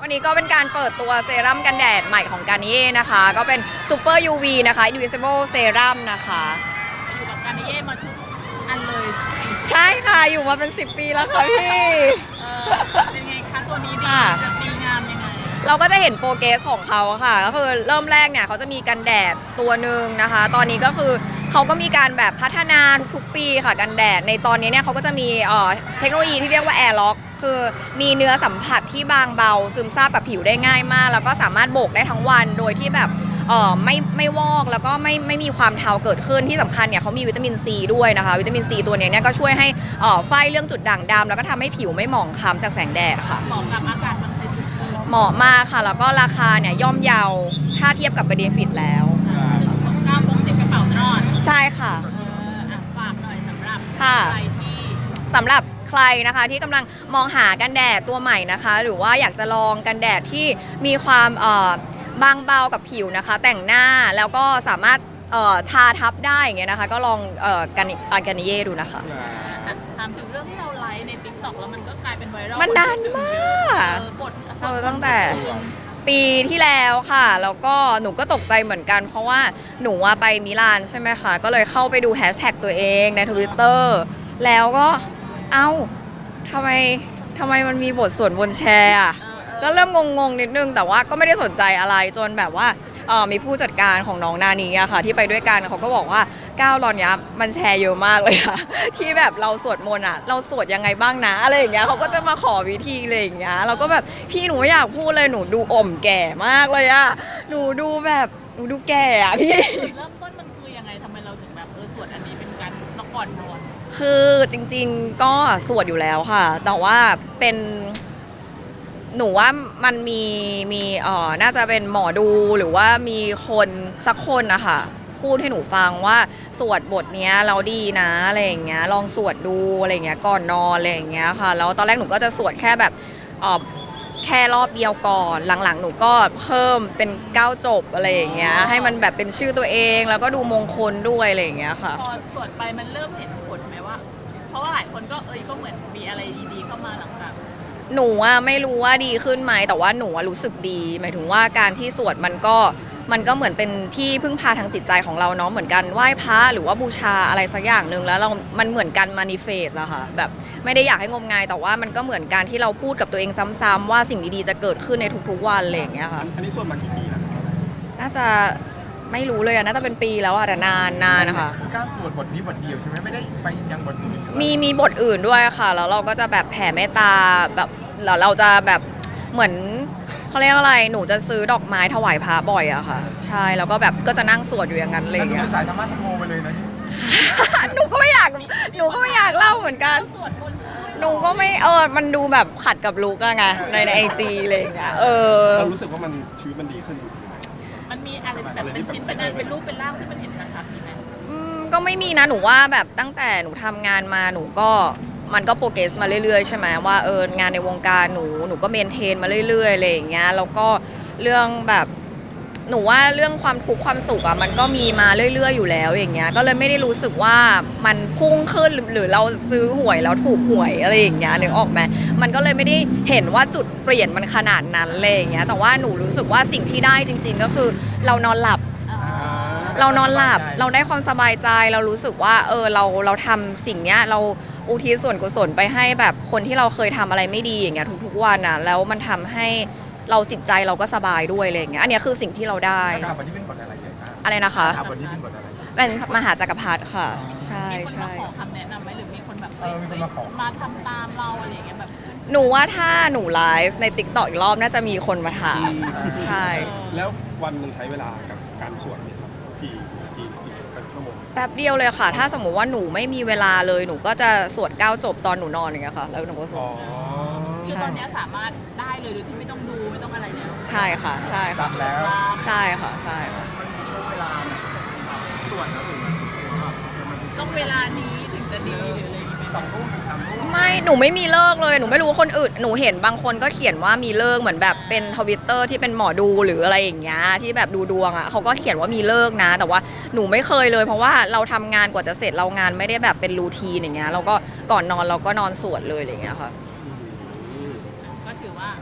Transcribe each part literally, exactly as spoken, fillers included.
วันนี้ก็เป็นการเปิดตัวเซรั่มกันแดดใหม่ของการนิเย่นะคะก็เป็นซูเปอร์ ยู วี นะคะ Invisible Serum นะคะอยู่กับการนิเย่มาทุกอันเลยใช่ค่ะอยู่มาเป็นสิบปีแล้วค่ะพี่เป็นไงคะตัวนี้ดีจะดีงามยังไงเราก็จะเห็นโปรเกรสของเขาค่ะก็คือเริ่มแรกเนี่ยเขาจะมีกันแดดตัวหนึ่งนะคะตอนนี้ก็คือเขาก็มีการแบบพัฒนาทุกๆปีค่ะกันแดดในตอนนี้เนี่ยเขาก็จะมีเทคโนโลยีที่เรียกว่า Air Lock คือมีเนื้อสัมผัสที่บางเบาซึมซาบกับผิวได้ง่ายมากแล้วก็สามารถโบกได้ทั้งวันโดยที่แบบเออไม่ไม่วอกแล้วก็ไม่ไม่มีความเทาเกิดขึ้นที่สำคัญเนี่ยเขามีวิตามินซีด้วยนะคะวิตามินซีตัวนี้เนี่ยก็ช่วยให้เออไฟเรื่องจุดด่างดำแล้วก็ทำให้ผิวไม่หมองคล้ำจากแสงแดดค่ะเหมาะกับอากาศเมืองไทยสุดๆเหมาะมากค่ะแล้วก็ราคาเนี่ยย่อมเยาถ้าเทียบกับเบเนฟิตแล้วก้าวพกติดกระเป๋ารอดใช่ค่ะฝากหน่อยสำหรับใครที่สำหรับใครนะคะที่กำลังมองหากันแดดตัวใหม่นะคะหรือว่าอยากจะลองกันแดดที่มีความเอ่อบางเบากับผิวนะคะแต่งหน้าแล้วก็สามารถเอ่อทาทับได้อย่างเงี้ยนะคะก็ลองเอ่อกันกันนิเย่ดูนะคะถามถึงเรื่องที่เราไลฟ์ใน ติ๊กต็อก แล้วมันก็กลายเป็นไวรัลมันนานมากเราตั้งแต่ปีที่แล้วค่ะแล้วก็หนูก็ตกใจเหมือนกันเพราะว่าหนูไปมิลานใช่ไหมคะก็เลยเข้าไปดูแฮชแท็กตัวเองใน ทวิตเตอร์ แล้วก็เอ้าทำไมทำไมมันมีบทสวดบนแชร์อ่ะก็เริ่มงงๆนิดนึงแต่ว่าก็ไม่ได้สนใจอะไรจนแบบว่าเออมีผู้จัดการของน้องนานีอะค่ะที่ไปด้วยกันเขาก็บอกว่าก้าวตอนนี้มันแชร์เยอะมากเลยค่ะที่แบบเราสวดมนต์อะเราสวดยังไงบ้างนะอะไรอย่างเงี้ยเขาก็จะมาขอวิธีอะไรอย่างเงี้ยเราก็แบบพี่หนูไม่อยากพูดเลยหนูดูอ่อมแก่มากเลยอะหนูดูแบบหนูดูแก่อะพี่เริ่มต้นมันคือยังไงทำไมเราถึงแบบเออสวดอันนี้เป็นการต้องก่อนนอนคือจริงๆก็สวดอยู่แล้วค่ะแต่ว่าเป็นหนูว่ามันมีมีเอ่อน่าจะเป็นหมอดูหรือว่ามีคนสักคนนะคะพูดให้หนูฟังว่าสวดบทเนี้ยเราดีนะอะไรอย่างเงี้ยลองสวดดูอะไรอย่างเงี้ยก่อนนอนอะไรอย่างเงี้ยค่ะแล้วตอนแรกหนูก็จะสวดแค่แบบเอ่อแค่รอบเดียวก่อนหลังๆหนูก็เพิ่มเป็นเก้าจบอะไรอย่างเงี้ยให้มันแบบเป็นชื่อตัวเองแล้วก็ดูมงคลด้วยอะไรอย่างเงี้ยค่ะพอสวดไปมันเริ่มเห็นผลไหมว่าเพราะว่าหลายคนก็เอ้ยก็เหมือนมีอะไรดีๆเข้ามาหลังจากหนูอะไม่รู้ว่าดีขึ้นไหมแต่ว่าหนูรู้สึกดีหมายถึงว่าการที่สวดมันก็มันก็เหมือนเป็นที่พึ่งพาทางจิตใจของเราเนาะเหมือนกันไหว้พระหรือว่าบูชาอะไรสักอย่างหนึ่งแล้วเรา มันเหมือนกันมานิเฟสอะค่ะแบบไม่ได้อยากให้งมงายแต่ว่ามันก็เหมือนการที่เราพูดกับตัวเองซ้ำๆว่าสิ่งดีๆจะเกิดขึ้นในทุกๆวันอะไรอย่างเงี้ยค่ะอันนี้สวดมากี่ปีแล้วน่าจะไม่รู้เลยอะน่าจะเป็นปีแล้วอะแต่นานนานนะคะกล้าสวดบทนี้บทเดียวใช่ไหมไม่ได้ไปยังบทอื่นมีมีบทอื่นด้วยค่ะแล้วเราก็จะแบบแผ่เมตตาแบบแล้วเราจะแบบเหมือนเขาเรียกอะไรหนูจะซื้อดอกไม้ถวายพระบ่อยอะค่ะใช่แล้วก็แบบก็จะนั่งสวดอยู่อย่างนั้นเลยอย่างเงี้ยสายธรรมะธรรมโมไปเลยนะหนูก็ไม่อยากหนูก็ไม่อยากเล่าเหมือนกันหนูก็ไม่เออมันดูแบบขัดกับลุกอะไงในในไอจีอะไรอย่างเงี้ยเออเรารู้สึกว่ามันชีวิตมันดีขึ้นจริงๆมันมีอะไรแบบเป็นชิ้นเป็นอันเป็นรูปเป็นร่างที่มันเห็นชัดๆมีไหมอืมก็ไม่มีนะหนูว่าแบบตั้งแต่หนูทำงานมาหนูก็มันก็โปรเกรสมาเรื่อยๆใช่ไหมว่าเอองานในวงการหนูหนูก็เมนเทนมาเรื่อยๆอะไรอย่างเงี้ยแล้วก็เรื่องแบบหนูว่าเรื่องความทุกข์ความสุขอะมันก็มีมาเรื่อยๆอยู่แล้วอย่างเงี้ยก็เลยไม่ได้รู้สึกว่ามันพุ่งขึ้นหรือเราซื้อหวยแล้วถูกหวยอะไรอย่างเงี้ยนึกออกไหมมันก็เลยไม่ได้เห็นว่าจุดเปลี่ยนมันขนาดนั้นเลยอย่างเงี้ยแต่ว่าหนูรู้สึกว่าสิ่งที่ได้จริงๆก็คือเรานอนหลับเรานอนหลับเราได้ความสบายใจเรารู้สึกว่าเออเราเราทำสิ่งเนี้ยเราอุทิศส่วนกุศลไปให้แบบคนที่เราเคยทำอะไรไม่ดีอย่างเงี้ยทุกๆวันอ่ะแล้วมันทำให้เราจิตใจเราก็สบายด้วยอะไรอย่างเงี้ยอันนี้คือสิ่งที่เราได้วันนี้เป็นบทอะไรใหญ่มากอะไรนะคะวันนี้เป็นบทอะไรเป็นมหาจักรพรรดิค่ะใช่ใช่มีคนมาขอคำแนะนำไหมหรือมีคนแบบมาทำตามเราอะไรอย่างเงี้ยแบบหนูว่าถ้าหนูไลฟ์ใน ติ๊กต็อก อีกรอบน่าจะมีคนมาถามใช่แล้ววันนึงใช้เวลากับการสวดเนี่ยครับกี่นาทีกี่ชั่วโมงแป๊บเดียวเลยค่ะถ้าสมมติว่าหนูไม่มีเวลาเลยหนูก็จะสวดเก้าจบตอนหนูนอนอย่างเงี้ยค่ะแล้วหนูก็สวดคือตอนนี้สามารถได้เลยโดยที่ไม่ต้องดูไม่ต้องอะไรเนี่ยใช่ค่ะใช่ค่ะแล้วใช่ค่ะใช่มันมีช่วงเวลาสวดแล้วถึงต้องเวลานี้ถึงจะดีหรืออะไรอย่างเงี้ยสองทุ่มสามทุ่มไม่หนูไม่มีเลิกเลยหนูไม่รู้คนอื่นหนูเห็นบางคนก็เขียนว่ามีเลิกเหมือนแบบเป็นทวิตเตอร์ที่เป็นหมอดูหรืออะไรอย่างเงี้ยที่แบบดูดวงอ่ะเขาก็เขียนว่ามีเลิกนะแต่ว่าหนูไม่เคยเลยเพราะว่าเราทำงานกว่าจะเสร็จเรางานไม่ได้แบบเป็นรูทีนอย่างเงี้ยเราก็ก่อนนอนเราก็นอนสวดเลยอะไรอย่างเงี้ยค่ะก็ถือว่าท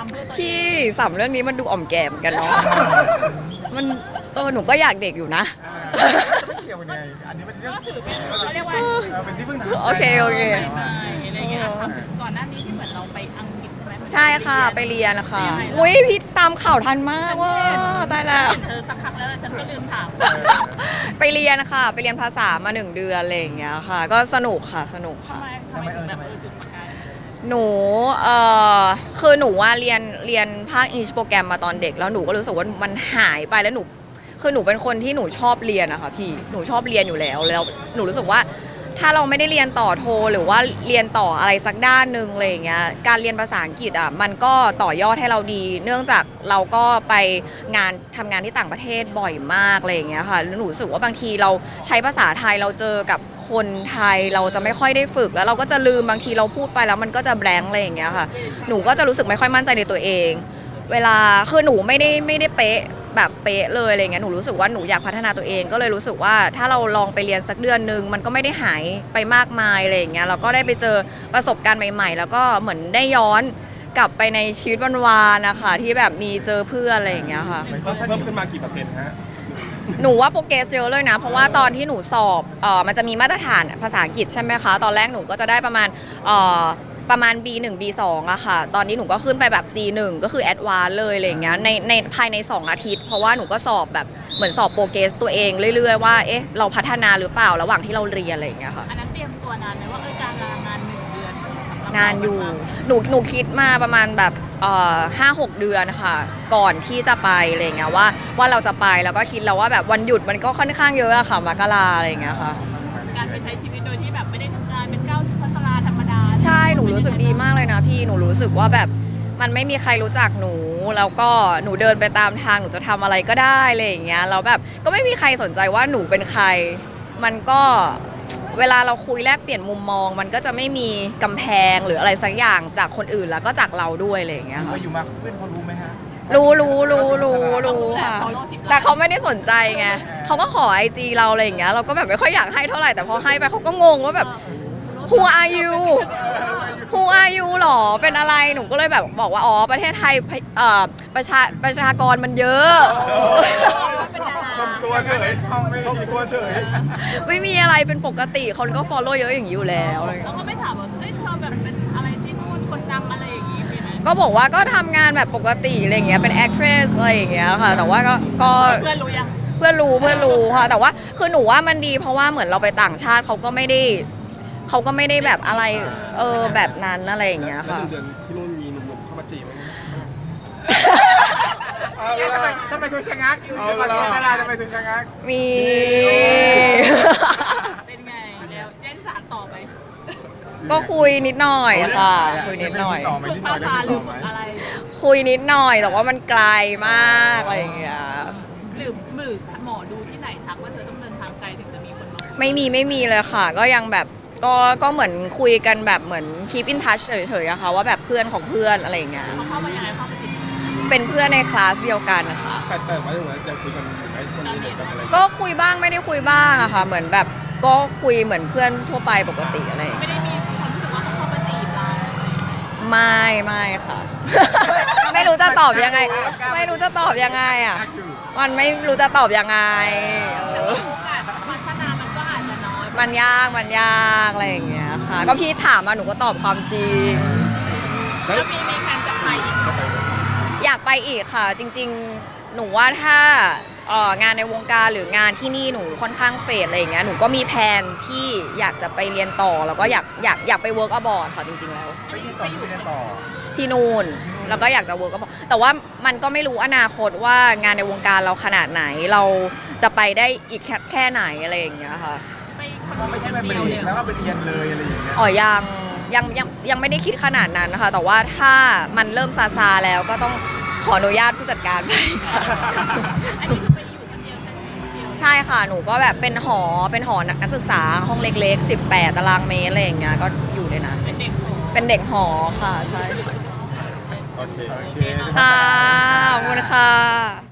ำเพื่อตัวเองพี่สามเรื่องนี้มันดูอ่อมแก่มกันเนาะ มันเออหนูก็อยากเด็กอยู่นะอ่าไม่เกี่ยวกันไงอันนี้เป็นเรื่องก็ถือเป็นเขาเรียกว่าเออเป็นที่พึ่งทางใจโอเคโอเคใหม่ๆอะไรเงี้ยครับก่อนหน้านี้ที่เหมือนเราไปอังกฤษใช่ไหมใช่ค่ะไปเรียนนะคะไปยังไงล่ะอุ้ยพี่ตามข่าวทันมากว่าตายแล้วเห็นเธอสักพักแล้วฉันก็ลืมถามเออไปเรียนค่ะ ไปเรียนภาษามาหนึ่งเดือนอะไรอย่างเงี้ยค่ะ ก็สนุกค่ะสนุกทำค่ะไมทำไมถึงแบบเออจุดประกายหนูเอ่อคือหนูว่าเรียนเรียนภาคอิงลิชโปรแกรมมาตอนเด็กแล้วหนูก็รู้สึกว่ามันหายไปแล้วหนูคือหนูเป็นคนที่หนูชอบเรียนอะค่ะพี่หนูชอบเรียนอยู่แล้วแล้วหนูรู้สึกว่าถ้าเราไม่ได้เรียนต่อโทหรือว่าเรียนต่ออะไรสักด้านหนึ่งอะไรอย่างเงี้ยการเรียนภาษาอังกฤษอะมันก็ต่อยอดให้เราดี เนื่องจากเราก็ไปงานทำงานที่ต่างประเทศบ่อยมากอะไรอย่างเงี้ยค่ะแล้วหนูรู้สึกว่าบางทีเราใช้ภาษาไทยเราเจอกับคนไทยเราจะไม่ค่อยได้ฝึกแล้วเราก็จะลืมบางทีเราพูดไปแล้วมันก็จะแบงค์อะไรอย่างเงี้ยค่ะหนูก็จะรู้สึกไม่ค่อยมั่นใจในตัวเอง เวลาคือหนูไม่ได้ไม่ได้เป๊ะแบบเป๊ะเลยอะไรเงี้ยหนูรู้สึกว่าหนูอยากพัฒนาตัวเองก็เลยรู้สึกว่าถ้าเราลองไปเรียนสักเดือนนึงมันก็ไม่ได้หายไปมากมายอะไรอย่างเงี้ยเราก็ได้ไปเจอประสบการณ์ใหม่ ๆ แล้วก็เหมือนได้ย้อนกลับไปในชีวิตวันวานนะคะที่แบบมีเจอเพื่อนอะไรอย่างเงี้ยค่ะเพิ่มเพิ่มขึ้นมากี่เปอร์เซ็นต์ฮะหนูว่าโปรเกรสเยอะเลยนะ เพราะว่าตอนที่หนูสอบเออมันจะมีมาตรฐานภาษาอังกฤษใช่ไหมคะ ตอนแรกหนูก็จะได้ประมาณเอ่อประมาณ บี หนึ่ง บี สอง อะค่ะ ตอนนี้หนูก็ขึ้นไปแบบ ซี หนึ่ง ก็คือแอดวานซ์เลยอะไรอย่างเงี้ยในในภายใน สอง อาทิตย์ เพราะว่าหนูก็สอบแบบเหมือนสอบโปรเกรสตัวเองเรื่อยๆว่าเอ๊ะเราพัฒนาหรือเปล่าระหว่างที่เราเรียนอะไรอย่างเงี้ยค่ะอันนั้นเตรียมตัวนานไหมว่าเออการลางานหนึ่งเดือนสำหรับเรนานอยู่ หนูหนูคิดมาประมาณแบบเอ่อห้าหกเดือนค่ะก่อนที่จะไปอะไรอย่างเงี้ยว่าว่าเราจะไปแล้วก็คิดแล้วว่าแบบวันหยุดมันก็ค่อนข้างเยอะอะค่ะมกราอะไรอย่างเงี้ยค่ะการไปใช้ชีวิตโดยที่แบบไม่ได้ทำงานเป็นก้าวพัฒนาธรรมดาใช่หนูรู้สึกดีมากเลยนะพี่หนูรู้สึกว่าแบบมันไม่มีใครรู้จักหนู แล้วก็หนูเดินไปตามทางหนูจะทำอะไรก็ได้อะไรอย่างเงี้ยแล้วแบบก็ไม่มีใครสนใจว่าหนูเป็นใคร มันก็เวลาเราคุยแลกเปลี่ยนมุมมอง มันก็จะไม่มีกำแพงหรืออะไรสักอย่างจากคนอื่นแล้วก็จากเราด้วยอะไรอย่างเงี้ยเคค่ะยอยู่มาเพื่อนเขารู้ไหมฮะรู้รู้รู้รู้รู้ค่ะแต่ follow สิบล้านแต่เขาไม่ได้สนใจไงเขาก็ขอไอจีเราอะไรอย่างเงี้ยเราก็แบบไม่ค่อยอยากให้เท่าไหร่แต่พอให้ไปเขาก็งงว่าแบบ Who are you Who are you หรอ เป็นอะไร หนูก็เลยแบบบอกว่า อ๋อ ประเทศไทยเอ่อประชาประชากรมันเยอะเป็นดาราทำตัวเฉยทำไม่ทำตัวเฉยไม่มีอะไรเป็นปกติ คนก็ follow เยอะอย่างนี้อยู่แล้วอะไรอย่างแล้เงี้วย ก็ไม่ถามว่าเฮ้ยเธอแบบเป็นอะไรที่นู่นคนดังอะไรอย่างงี้มีไหมก็บอกว่าก็ทำงานแบบปกติอะไรอย่างเงี้ย เป็น actress อะไรอย่างเงี้ยค่ะ แต่ว่าก็ก็เพื่อนรู้ยังเพื่อนรู้เพื่อนรู้ค่ะ แต่ว่าคือหนูว่ามันดีเพราะว่าเหมือนเราไปต่างชาติเขาก็ไม่ได้เขาก็ไม่ได้แบบอะไร เออ แบบนั้นอะไรอย่างเงี้ยแล้วค่ะหนึ่งเดือนที่นู่นมีหนุ่มๆเข้ามาจีบไหมเอาละทำไมถึงชะงักเอาละทำไมถึงชะงักมีเป็นไงเดี๋ยวเล่นสารต่อไปก็คุยนิดหน่อยค่ะ คุยนิดหน่อยต่อไหมฝึกนิดหน่ภาอยได้ษาหต่รืออไหมฝึกอะไรคุยนิดหน่อยแต่ว่ามันไกลมากอะไรอย่างเงี้ยหรือหมือหมอดูที่ไหนทักว่าเธอต้องเดินทางไกลถึงจะมีคนมาไม่มีไม่มีเลยค่ะ ก็ยังแบบก็ก็เหมือนคุยกันแบบเหมือน keep in touch เฉยๆอะค่ะว่าแบบเพื่อนของเพื่อนอะไรอย่างเงี้ยเขาเข้ามายังไงเข้ามาจีบเป็นเพื่อนในคลาสเดียวกันนะคะแต่แต่ว่าอย่างไรยังคุยกันอยู่ไหมคนนี้เหมือนกันอะไรก็คุยบ้างไม่ได้คุยบ้างอะค่ะ เหมือนแบบก็คุยเหมือนเพื่อนทั่วไปปกติอะไรอย่างไม่เงี้ยได้มีความรู้สึกว่าเขาเข้ามาจีบเราไม่ไม่ค่ะ ไม่รู้จะตอบยังไง ไม่รู้จะตอบยังไงอะมันไม่รู้จะตอบยังไงเออโอกาสพัฒนามันก็อาจจะน้อยมันยากมันยากอะไรอย่างเงี้ยค่ะ ก็พี่ถามมาหนูก็ตอบความจริงแล้วมีมีแผนจะไปอีกไหมอยากไปอีกค่ะ จริงๆ หนูว่าถ้าเอ่องานในวงการหรืองานที่นี่หนูค่อนข้างเฟดอะไรอย่างเงี้ยหนูก็มีแผนที่อยากจะไปเรียนต่อแล้วก็อยากอยากอยากไป work abroad ค่ะจริงๆแล้วไปเรียนต่อที่ไปเรียนต่อที่นู่นแล้วก็อยากจะ work abroad แต่ว่ามันก็ไม่รู้อนาคตว่างานในวงการเราขนาดไหนเราจะไปได้อีกแค่แค่ไหนอะไรอย่างเงี้ยค่ะไปคนก็ไม่ใช่ไปเบรเดียวกเลยแล้วก็ไปเรียนเลยอะไรอย่างเงี้ยอ๋อยังยังยังยังไม่ได้คิดขนาดนั้นนะคะ แต่ว่าถ้ามันเริ่มซาซาแล้วก็ต้องขออนุญาตผู้จัดการไปค่ะอันนี้คือไปอยู่คนเดียวใช่ไหมคนเดียวใช่ค่ะ หนูก็แบบเป็นหอ เป็นหอนักศึกษาห้องเล็กๆ สิบแปด ตารางเมตรอะไรอย่างเงี้ย ก็อยู่ในนั้นเป็นเด็กโตเป็นเด็กหอค่ะ ใช่โอเคโอเคค่ะ ขอบคุณค่ะ